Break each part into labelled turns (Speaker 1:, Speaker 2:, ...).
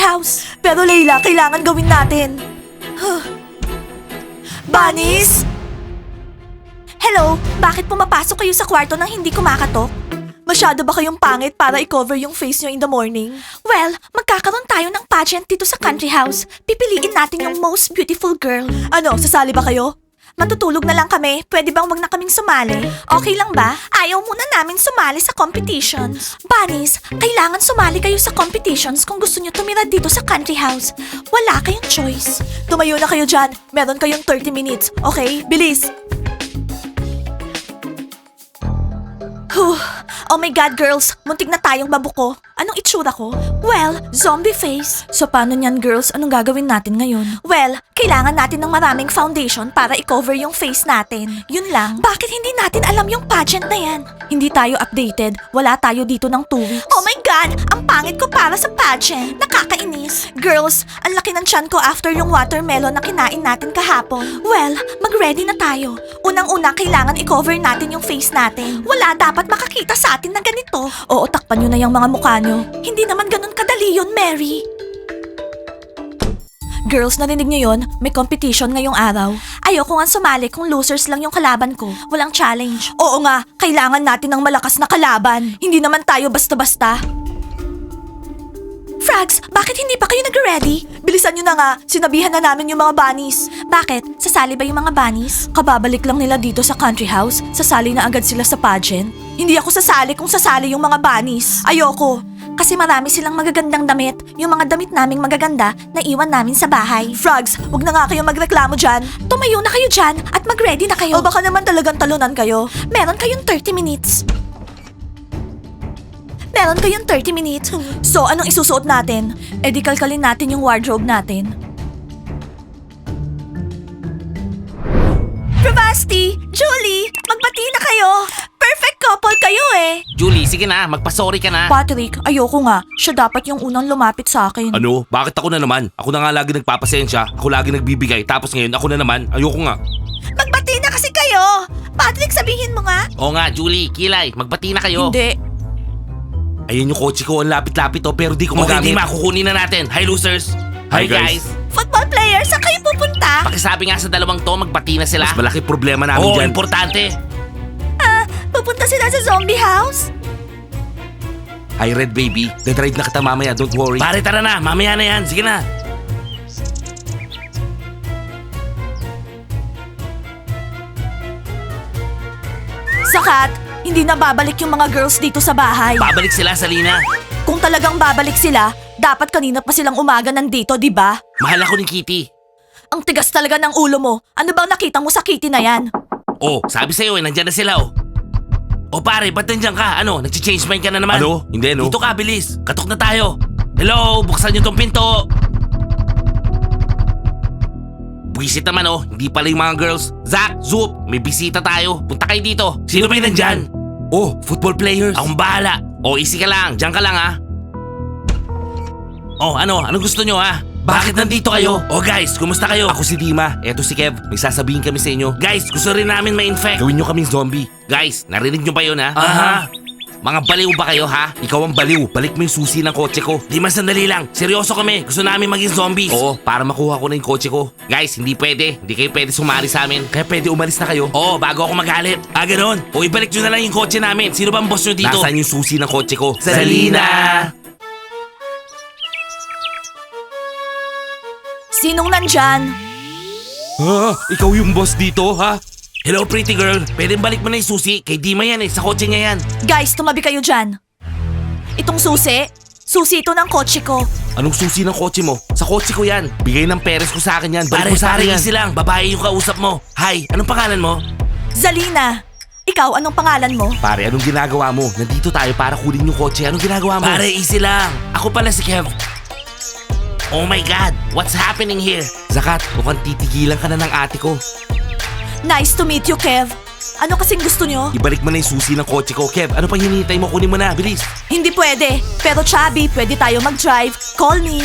Speaker 1: house. Pero Layla, kailangan gawin natin. Bunnies? Hello, bakit pumapasok kayo sa kwarto nang hindi kumakatok? Masyado ba kayong pangit para i-cover yung face nyo in the morning? Well, magkakaroon tayo ng pageant dito sa country house. Pipiliin natin yung most beautiful girl. Ano, sasali ba kayo? Matutulog na lang kami. Pwede bang wag na kaming sumali? Okay lang ba? Ayaw muna namin sumali sa competitions. Bunnies, kailangan sumali kayo sa competitions kung gusto nyo tumira dito sa country house. Wala kayong choice. Tumayo na kayo dyan. Meron kayong 30 minutes. Okay? Bilis! Oh my God, girls! Muntik na tayong mabuko. Anong itsura ko? Well, zombie face. So paano niyan, girls? Anong gagawin natin ngayon? Well, kailangan natin ng maraming foundation para i-cover yung face natin. Yun lang. Bakit hindi natin alam yung pageant na yan? Hindi tayo updated. Wala tayo dito ng 2 weeks. Oh my God! Ang pangit ko para sa pageant. Nakakainis. Girls, ang laki ng tiyan ko after yung watermelon na kinain natin kahapon. Well, mag-ready na tayo. Unang-una, kailangan i-cover natin yung face natin. Wala dapat makakita sa atin na ganito. Oo, takpan nyo na yung mga mukha nyo. Hindi naman ganun kadali yun, Mary. Girls, narinig niyo yun? May competition ngayong araw. Ayoko nga sumali kung losers lang yung kalaban ko. Walang challenge. Oo nga, kailangan natin ng malakas na kalaban. Hindi naman tayo basta-basta. Frags, bakit hindi pa kayo nag-ready? Bilisan nyo na nga, sinabihan na namin yung mga bunnies. Bakit? Sasali ba yung mga bunnies? Kababalik lang nila dito sa country house, sasali na agad sila sa pageant. Hindi ako sasali kung sasali yung mga bunnies. Ayoko. Kasi marami silang magagandang damit. Yung mga damit naming magaganda na iwan namin sa bahay. Frogs, wag na nga kayo magreklamo dyan. Tumayo na kayo dyan at mag-ready na kayo. O baka naman talagang talunan kayo. Meron kayong 30 minutes. Meron kayong 30 minutes. So, anong isusuot natin? E di kalkalin natin yung wardrobe natin. Bravasti! Julie! Magbati na kayo! Perfect couple kayo eh!
Speaker 2: Julie, sige na, magpasorry ka na.
Speaker 1: Patrick, ayoko nga. Siya dapat yung unang lumapit sa akin.
Speaker 3: Ano? Bakit ako na naman? Ako na nga lagi nagpapasensya, ako lagi nagbibigay, tapos ngayon ako na naman, ayoko nga.
Speaker 1: Magbati na kasi kayo! Patrick, sabihin mo nga!
Speaker 2: Oo nga, Julie, Kilay, magbati na kayo.
Speaker 1: Hindi.
Speaker 3: Ayan yung kotse ko, ang lapit-lapit to, pero di ko
Speaker 2: Okay,
Speaker 3: magamit.
Speaker 2: di makukunin na natin. Hi, losers.
Speaker 3: Hi,
Speaker 2: guys.
Speaker 3: guys.
Speaker 1: Football players, saan kayo pupunta?
Speaker 2: Pakisabi nga sa dalawang to, magbati na sila.
Speaker 3: Mas malaki problema namin
Speaker 2: Oo,
Speaker 3: dyan.
Speaker 2: importante.
Speaker 1: Pupunta sila sa zombie house?
Speaker 3: Hi, Red Baby. Dadrive na kita mamaya, don't worry.
Speaker 2: Pare, tara na, mamaya na yan. Sige na.
Speaker 1: Sakat, hindi na babalik yung mga girls dito sa bahay.
Speaker 2: Babalik sila, Salina.
Speaker 1: Kung talagang babalik sila, dapat kanina pa silang umaga nandito, di ba?
Speaker 2: Mahal ako ni Kitty.
Speaker 1: Ang tigas talaga ng ulo mo. Ano bang nakita mo sa kitty na yan?
Speaker 2: Oh, sabi sa'yo eh, nandyan na sila oh. Oh pare, ba't nandyan ka? Ano, nag-change mind ka na naman?
Speaker 3: Ano? Hindi, no?
Speaker 2: Dito ka, bilis. Katok na tayo. Hello, buksan niyo tong pinto. Buwisit naman oh, hindi pala yung mga girls. Zach, Zoop, may bisita tayo. Punta kayo dito. Sino ba yung nandyan?
Speaker 3: Oh, football players.
Speaker 2: Akong bahala. Oh, easy ka lang. Diyan ka lang ha. Oh, ano gusto nyo ha? Bakit nandito kayo? Oh guys, kumusta kayo?
Speaker 3: Ako si Dima, eto si Kev. May sasabihin kami sa inyo.
Speaker 2: Guys, gusto rin namin ma-infect.
Speaker 3: Gawin nyo kaming zombie.
Speaker 2: Guys, narinig nyo ba yun ha?
Speaker 3: Aha.
Speaker 2: Mga baliw ba kayo ha?
Speaker 3: Ikaw ang baliw, balik mo yung susi ng kotse ko.
Speaker 2: Di man sandali lang. Seryoso kami. Gusto namin maging zombies.
Speaker 3: Oo, para makuha ko na yung kotse ko.
Speaker 2: Guys, hindi pwede. Hindi kayo pwede sumali sa amin.
Speaker 3: Kaya pwede umalis na kayo.
Speaker 2: Oo, bago ako magalit. Ah, ganun. O ibalik nyo na lang yung kotse namin. Sino bang boss nyo dito?
Speaker 3: Nasaan yung susi ng kotse ko?
Speaker 1: Sinong nandyan?
Speaker 3: Ikaw yung boss dito, ha?
Speaker 2: Hello, pretty girl. Pwede balik mo na yung susi. Kay Dima yan eh. Sa kotse niya yan.
Speaker 1: Guys, tumabi kayo dyan. Itong susi ito ng kotse ko.
Speaker 3: Anong susi ng kotse mo? Sa kotse ko yan. Bigay ng peres ko sa akin yan.
Speaker 2: Pare,
Speaker 3: Balik mo sa akin yan.
Speaker 2: easy lang. Babae yung kausap mo. Hi, anong pangalan mo?
Speaker 1: Zalina. Ikaw, anong pangalan mo?
Speaker 3: Pare, anong ginagawa mo? Nandito tayo para kunin yung kotse. Anong ginagawa mo?
Speaker 2: Pare, easy lang. Ako pala si Kev. Oh my God, what's happening here?
Speaker 3: Zakat, mukhang titigilan ka na ng ate ko.
Speaker 1: Nice to meet you, Kev. Ano kasing gusto nyo?
Speaker 3: Ibalik mo na yung susi ng kotse ko. Kev, ano pang hinihintay mo? Kunin mo na, bilis.
Speaker 1: Hindi pwede. Pero Chubby, pwede tayo mag-drive. Call me.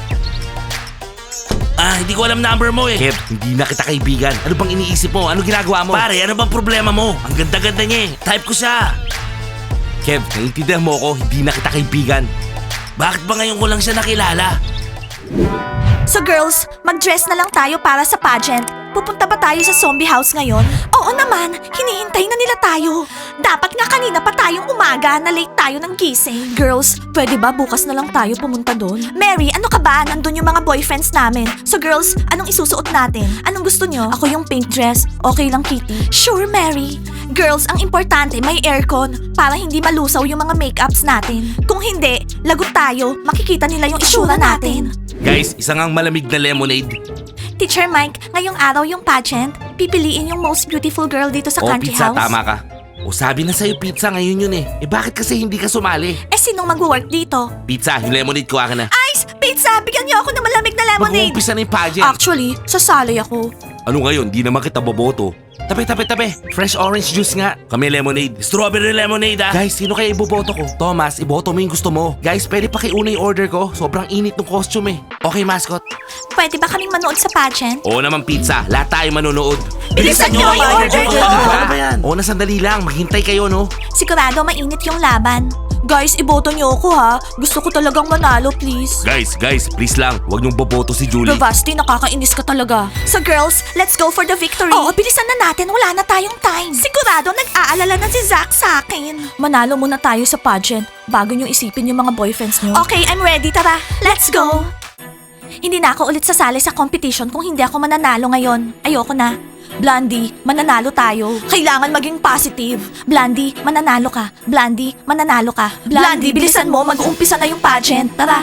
Speaker 2: Hindi ko alam number mo eh.
Speaker 3: Kev, hindi na kita kaibigan. Ano bang iniisip mo? Ano ginagawa mo?
Speaker 2: Pare, ano bang problema mo? Ang ganda-ganda niya eh. Type ko siya.
Speaker 3: Kev, naiintindihan mo ako, hindi na kita kaibigan.
Speaker 2: Bakit ba ngayon ko lang siya nakilala?
Speaker 1: So girls, mag-dress na lang tayo para sa pageant. Pupunta ba tayo sa zombie house ngayon? Oo naman, hinihintay na nila tayo. Dapat nga kanina pa tayong umaga na late tayo ng gising. Girls, pwede ba bukas na lang tayo pumunta doon? Mary, ano ka ba? Nandun yung mga boyfriends namin. So girls, anong isusuot natin? Anong gusto nyo? Ako yung pink dress. Okay lang, Kitty? Sure, Mary. Girls, ang importante may aircon para hindi malusaw yung mga makeups natin. Kung hindi, lagot tayo. Makikita nila yung itsura natin.
Speaker 3: Guys, isa ngang malamig na lemonade.
Speaker 1: Teacher Mike, ngayong araw yung pageant, pipiliin yung most beautiful girl dito sa
Speaker 3: O
Speaker 1: country
Speaker 3: pizza,
Speaker 1: house.
Speaker 3: tama ka. O sabi na sa'yo pizza, ngayon yun eh. Eh bakit kasi hindi ka sumali?
Speaker 1: Eh, sinong mag-work dito?
Speaker 3: Pizza, yung lemonade ko akin na.
Speaker 1: Ice! Pizza! Bigyan niyo ako ng malamig na lemonade!
Speaker 3: Mag-uumpisa na yung pageant.
Speaker 1: Actually, sasali ako.
Speaker 3: Ano ngayon, di naman kita boboto. Tabi. Fresh orange juice nga. Kami lemonade. Strawberry lemonade ah. Guys, sino kaya iboboto ko? Thomas, iboto mo yung gusto mo. Guys, pwede pa kiuna yung order ko. Sobrang init ng costume eh. Okay, mascot?
Speaker 1: Pwede ba kaming manood sa pageant?
Speaker 3: Oo naman pizza. Lahat tayo manonood.
Speaker 1: Bilisan niyo, i-order ko!
Speaker 3: Ano ba yan? Oo na, sandali lang. Maghintay kayo, no?
Speaker 1: Sigurado mainit yung laban. Guys, iboto niyo ako ha. Gusto ko talagang manalo, please.
Speaker 3: Guys, please lang. Huwag niyong boboto si Julie.
Speaker 1: Bravasti, nakakainis ka talaga. So girls, let's go for the victory. Oo, bilisan na natin. Wala na tayong time. Sigurado nag-aalala na si Zach sa akin. Manalo muna tayo sa pageant bago nyo isipin yung mga boyfriends nyo. Okay, I'm ready. Tara, let's go. Hindi na ako ulit sasali sa competition kung hindi ako mananalo ngayon. Ayoko na. Blondie, mananalo tayo. Kailangan maging positive. Blondie, mananalo ka. Blondie, mananalo ka. Blondie, bilisan mo. Mag-uumpisa na yung pageant. Tara.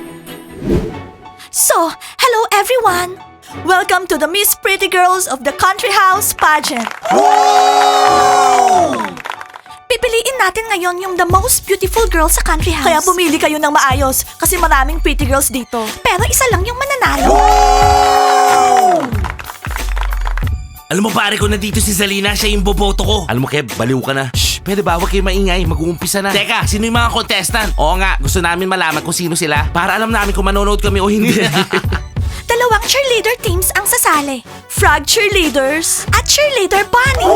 Speaker 1: So, hello everyone! Welcome to the Miss Pretty Girls of the Country House pageant. Pipiliin natin ngayon yung the most beautiful girl sa country house. Kaya pumili kayo ng maayos kasi maraming pretty girls dito. Pero isa lang yung mananalo.
Speaker 3: Alam mo pare ko, nandito si Zalina, siya yung boboto ko. Alam mo Kev, baliw ka na. Shh, pwede ba? Huwag kayo maingay, mag-uumpisa na. Teka, sino yung mga contestant? Oo nga, gusto namin malaman kung sino sila para alam namin kung manonood kami o hindi.
Speaker 1: Dalawang cheerleader teams ang sasali. Frog cheerleaders at cheerleader bunnies.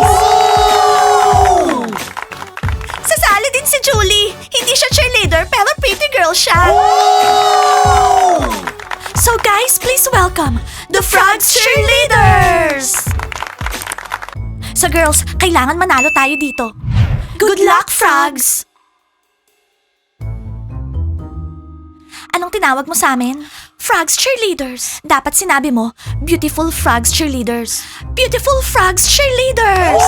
Speaker 1: Sasali din si Julie. Hindi siya cheerleader pero pretty girl siya. So guys, please welcome the Frogs cheerleaders. So girls, kailangan manalo tayo dito. Good luck, Frogs! Anong tinawag mo sa amin? Frogs cheerleaders. Dapat sinabi mo, beautiful Frogs cheerleaders. Beautiful Frogs cheerleaders!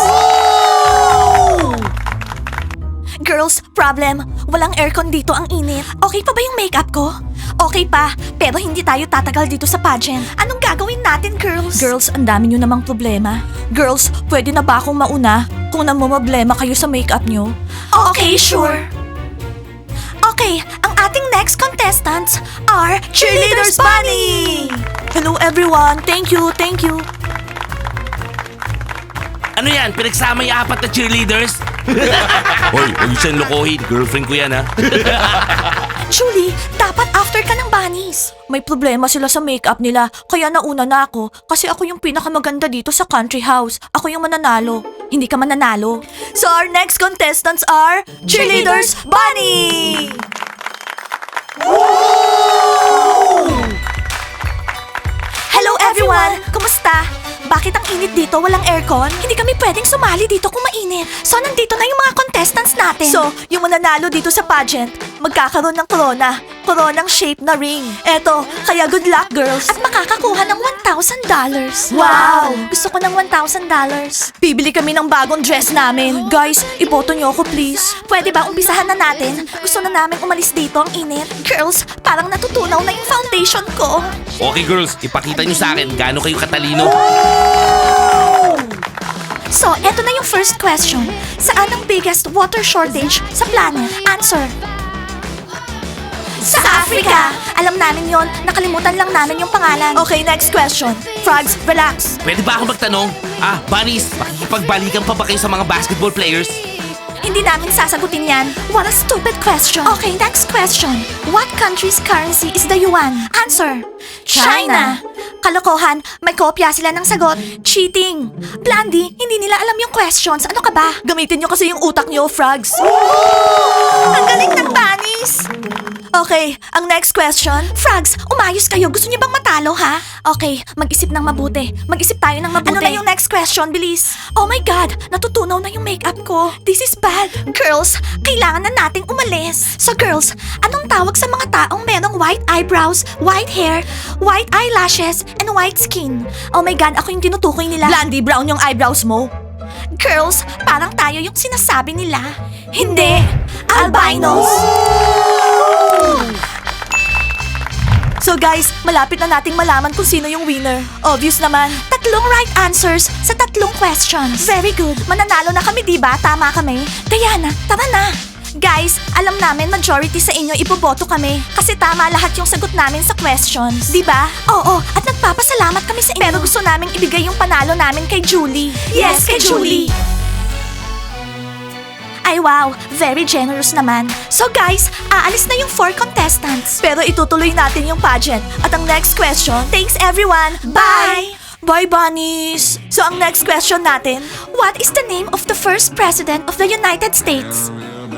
Speaker 1: Girls, problem. Walang aircon dito, ang init. Okay pa ba yung makeup ko? Okay pa, pero hindi tayo tatagal dito sa pageant. Anong gagawin natin, girls? Girls, ang dami nyo namang problema. Girls, pwede na ba akong mauna kung namumblema kayo sa makeup nyo? Okay, sure. Okay, ang ating next contestants are Cheerleaders Bunny! Hello everyone, thank you.
Speaker 3: Ano yan? Pinagsama yung apat na cheerleaders? Hoy, huwag siyang lokohin. Girlfriend ko yan ha.
Speaker 1: Julie, dapat after ka ng bunnies. May problema sila sa makeup nila, kaya nauna na ako kasi ako yung pinakamaganda dito sa country house. Ako yung mananalo. Hindi ka mananalo. So our next contestants are Cheerleaders Bunny! Hello everyone! Kumusta? Bakit ang init dito? Walang aircon? Hindi kami pwedeng sumali dito kung mainit. So, nandito na yung mga contestants natin. So, yung mananalo dito sa pageant, magkakaroon ng corona. Coronang shape na ring. Eto, kaya good luck, girls. At makakakuha ng $1,000. Wow! Gusto ko ng $1,000. Bibili kami ng bagong dress namin. Guys, iboto niyo ako, please. Pwede ba umpisahan na natin? Gusto na namin umalis dito ang init. Girls, parang natutunaw na yung foundation ko.
Speaker 3: Okay girls, ipakita nyo sa akin gaano kayo katalino.
Speaker 1: So, eto na yung first question. Saan ang biggest water shortage sa planet? Answer. Sa Africa! Alam namin yon. Nakalimutan lang namin yung pangalan. Okay, next question. Frogs, relax.
Speaker 3: Pwede ba ako magtanong? Bunnies, makikipagbalikan pa ba kayo sa mga basketball players?
Speaker 1: Hindi namin sasagutin yan. What a stupid question. Okay, next question. What country's currency is the yuan? Answer. China. Kalokohan, may kopya sila ng sagot. Cheating. Blondie, hindi nila alam yung questions. Ano ka ba? Gamitin nyo kasi yung utak nyo, Frogs. Ang galing ng bunnies. Okay, ang next question. Frogs, umayos kayo. Gusto niyo bang matalo, ha? Okay, mag-isip ng mabuti. Mag-isip tayo ng mabuti. Ano na yung next question, bilis? Oh my God, natutunaw na yung makeup ko. This is bad. Girls, kailangan na nating umalis. So girls, anong tawag sa mga taong merong white eyebrows, white hair, white eyelashes, and white skin? Oh my God, ako yung tinutukoy nila. Blondie brown yung eyebrows mo. Girls, parang tayo yung sinasabi nila. Hindi! Albinos! So guys, malapit na nating malaman kung sino yung winner. Obvious naman. 3 right answers sa 3 questions. Very good. Mananalo na kami, diba? Tama kami. Diana, tara na. Guys, alam namin majority sa inyo iboboto kami kasi tama lahat yung sagot namin sa questions. Diba? Oo, at nagpapasalamat kami sa inyo. Pero gusto naming ibigay yung panalo namin kay Julie. Yes, kay Julie. Ay wow, very generous naman. So guys, aalis na yung 4 contestants. Pero itutuloy natin yung pageant. At ang next question, thanks everyone. Bye! Bye, bunnies! So ang next question natin, what is the name of the first president of the United States?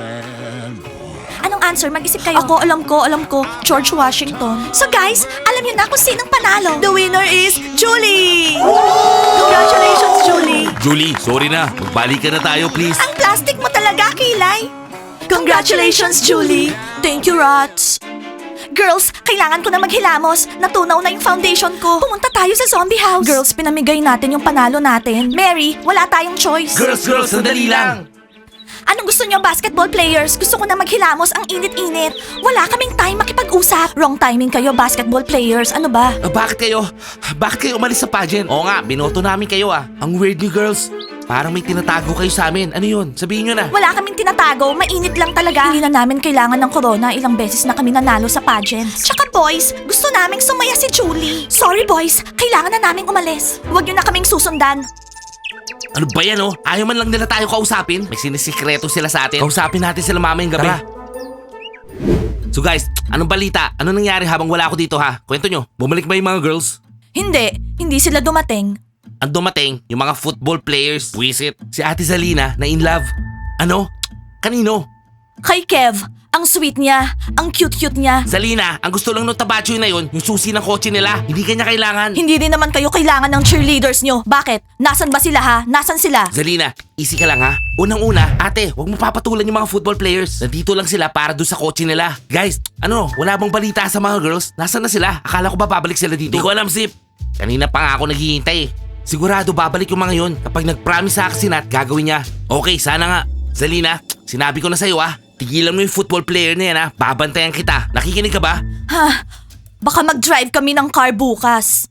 Speaker 1: Anong answer? Mag-isip kayo. Ako, alam ko. George Washington. So guys, alam niyo na kung sinong panalo. The winner is Julie! Congratulations, Julie!
Speaker 2: Julie, sorry na. Magbalik ka na tayo, please.
Speaker 1: Ang plastic mo talaga, Kilay! Congratulations, Julie! Thank you, Rats! Girls, kailangan ko na maghilamos. Natunaw na yung foundation ko. Pumunta tayo sa zombie house. Girls, pinamigay natin yung panalo natin. Mary, wala tayong choice.
Speaker 2: Girls, sandali lang.
Speaker 1: Anong gusto niyo, basketball players? Gusto ko na maghilamos, ang init-init. Wala kaming time makipag-usap. Wrong timing kayo, basketball players. Ano ba?
Speaker 2: Bakit kayo umalis sa pageant? Oo nga, binoto namin kayo ah. Ang weird niyo, girls. Parang may tinatago kayo sa amin. Ano yun? Sabihin nyo na.
Speaker 1: Wala kaming tinatago, mainit lang talaga. Hindi na namin kailangan ng corona, ilang beses na kami nanalo sa pageants. Tsaka boys, gusto naming sumaya si Julie. Sorry boys, kailangan na naming umalis. Huwag nyo na kaming susundan.
Speaker 2: Ano ba yan oh? Ayaw man lang nila tayo kausapin. May sinisikreto sila sa atin. Kausapin natin sila mamayang gabi.
Speaker 3: Tara.
Speaker 2: So guys, anong balita? Ano nangyari habang wala ako dito ha? Kwento nyo. Bumalik ba yung mga girls?
Speaker 1: Hindi sila dumating.
Speaker 2: Ang dumating, yung mga football players. Wisit. Si Ate Zalina na in love. Ano? Kanino?
Speaker 1: Kay Kev, ang sweet niya, ang cute-cute niya.
Speaker 2: Zalina, ang gusto lang nung tabacho na yun, yung susi ng kotse nila. Hindi kanya kailangan.
Speaker 1: Hindi rin naman kayo kailangan ng cheerleaders nyo. Bakit? Nasaan ba sila ha? Nasaan sila?
Speaker 2: Zalina, easy ka lang ha. Unang-una, ate, huwag mo papatulan yung mga football players. Nandito lang sila para doon sa kotse nila. Guys, wala bang balita sa mga girls? Nasaan na sila? Akala ko ba babalik sila dito? Hindi ko alam, Zip. Kanina pa nga ako naghihintay eh. Sigurado babalik yung mga yun. Kapag nag-promise sa akin si Nat, gagawin niya. Okay, sana nga. Zalina, sinabi ko na sa'yo ah. Tigilan mo yung football player na yan ha. Babantayan kita. Nakikinig ka ba?
Speaker 1: Ha? Baka mag-drive kami ng car bukas.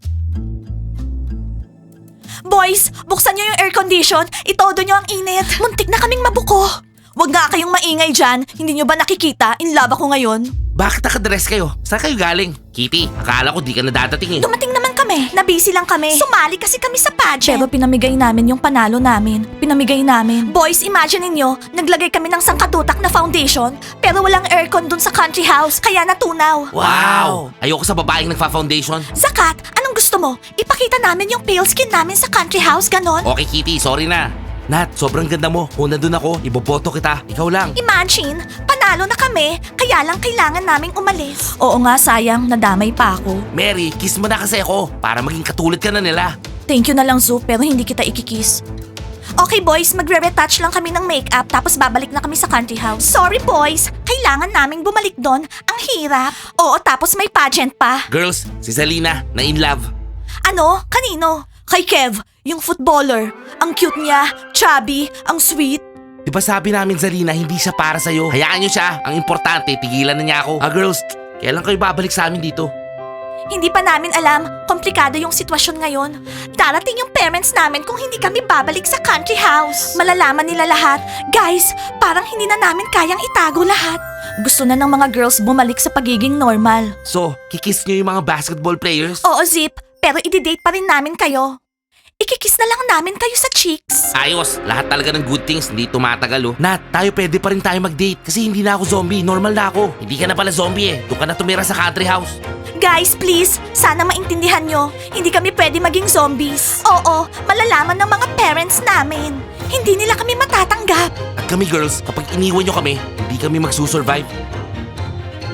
Speaker 1: Boys, buksan nyo yung air condition. Itodo nyo ang init. Muntik na kaming mabuko. Huwag nga kayong maingay dyan. Hindi nyo ba nakikita? In love ako ngayon.
Speaker 2: Bakit nakadress kayo? Saan kayo galing? Kitty, akala ko di ka na dadating eh.
Speaker 1: Dumating naman kami. Nabisi lang kami. Sumali kasi kami sa pageant. Pero pinamigay namin yung panalo namin. Pinamigay namin. Boys, imagine ninyo, naglagay kami ng sangkatutak na foundation, pero walang aircon dun sa country house, kaya natunaw.
Speaker 2: Wow! Ayoko sa babaeng nagfa-foundation.
Speaker 1: Zakat, anong gusto mo? Ipakita namin yung pale skin namin sa country house, ganon?
Speaker 2: Okay, Kitty, sorry na.
Speaker 3: Nat, sobrang ganda mo. Kung nandun ako, iboboto kita. Ikaw lang.
Speaker 1: Imagine, panalo na kami, kaya lang kailangan naming umalis. Oo nga, sayang, nadamay pa ako.
Speaker 2: Mary, kiss mo na kasi ako para maging katulad ka na nila.
Speaker 1: Thank you na lang, Zoo, pero hindi kita ikikiss. Okay boys, magre-retouch lang kami ng makeup tapos babalik na kami sa country house. Sorry boys, kailangan naming bumalik doon. Ang hirap. Oo, tapos may pageant pa.
Speaker 2: Girls, si Zalina na in love.
Speaker 1: Ano? Kanino? Kay Kev, yung footballer. Ang cute niya, chubby, ang sweet.
Speaker 2: Di ba sabi namin Zalina, hindi siya para sa'yo? Hayaan niyo siya. Ang importante, tigilan na niya ako. Girls, kailan kayo babalik sa amin dito?
Speaker 1: Hindi pa namin alam, komplikado yung sitwasyon ngayon. Darating yung parents namin kung hindi kami babalik sa country house. Malalaman nila lahat. Guys, parang hindi na namin kayang itago lahat. Gusto na ng mga girls bumalik sa pagiging normal.
Speaker 2: So, kikiss niyo yung mga basketball players?
Speaker 1: Oo, Zip, pero i-date pa rin namin kayo. Ikikiss na lang namin kayo sa cheeks.
Speaker 2: Ayos, lahat talaga ng good things hindi tumatagal oh.
Speaker 3: Nat, tayo pwede pa rin tayo mag-date kasi hindi na ako zombie. Normal na ako.
Speaker 2: Hindi ka na pala zombie eh. Doon ka na tumira sa country house.
Speaker 1: Guys, please, sana maintindihan nyo. Hindi kami pwede maging zombies. Oo, malalaman ng mga parents namin. Hindi nila kami matatanggap.
Speaker 3: At kami girls, kapag iniwan nyo kami, hindi kami magsusurvive.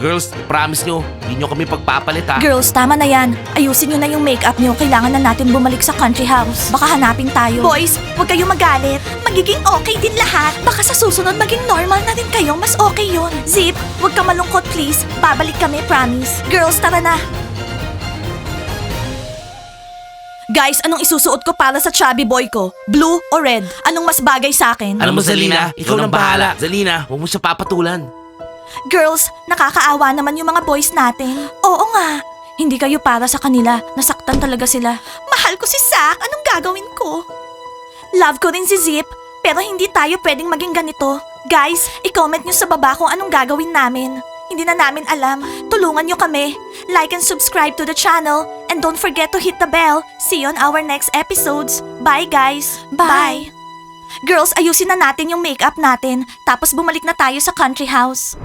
Speaker 2: Girls, promise nyo, hindi nyo kami pagpapalit ha.
Speaker 1: Girls, tama na yan. Ayusin nyo na yung makeup nyo. Kailangan na natin bumalik sa country house. Baka hanapin tayo. Boys, huwag kayong magalit. Magiging okay din lahat. Baka sa susunod maging normal na din kayo. Mas okay yun. Zip, huwag ka malungkot please. Babalik kami, promise. Girls, tara na. Guys, anong isusuot ko para sa chubby boy ko? Blue o red? Anong mas bagay sa akin?
Speaker 2: Alam mo, Zalina, ikaw nang bahala. Zalina, huwag mo siya papatulan.
Speaker 1: Girls, nakakaawa naman yung mga boys natin. Oo nga. Hindi kayo para sa kanila. Nasaktan talaga sila. Mahal ko si Zack. Anong gagawin ko? Love ko rin si Zip. Pero hindi tayo pwedeng maging ganito. Guys, i-comment nyo sa baba kung anong gagawin namin. Hindi na namin alam. Tulungan nyo kami. Like and subscribe to the channel. And don't forget to hit the bell. See you on our next episodes. Bye guys. Bye. Girls, ayusin na natin yung makeup natin. Tapos bumalik na tayo sa country house.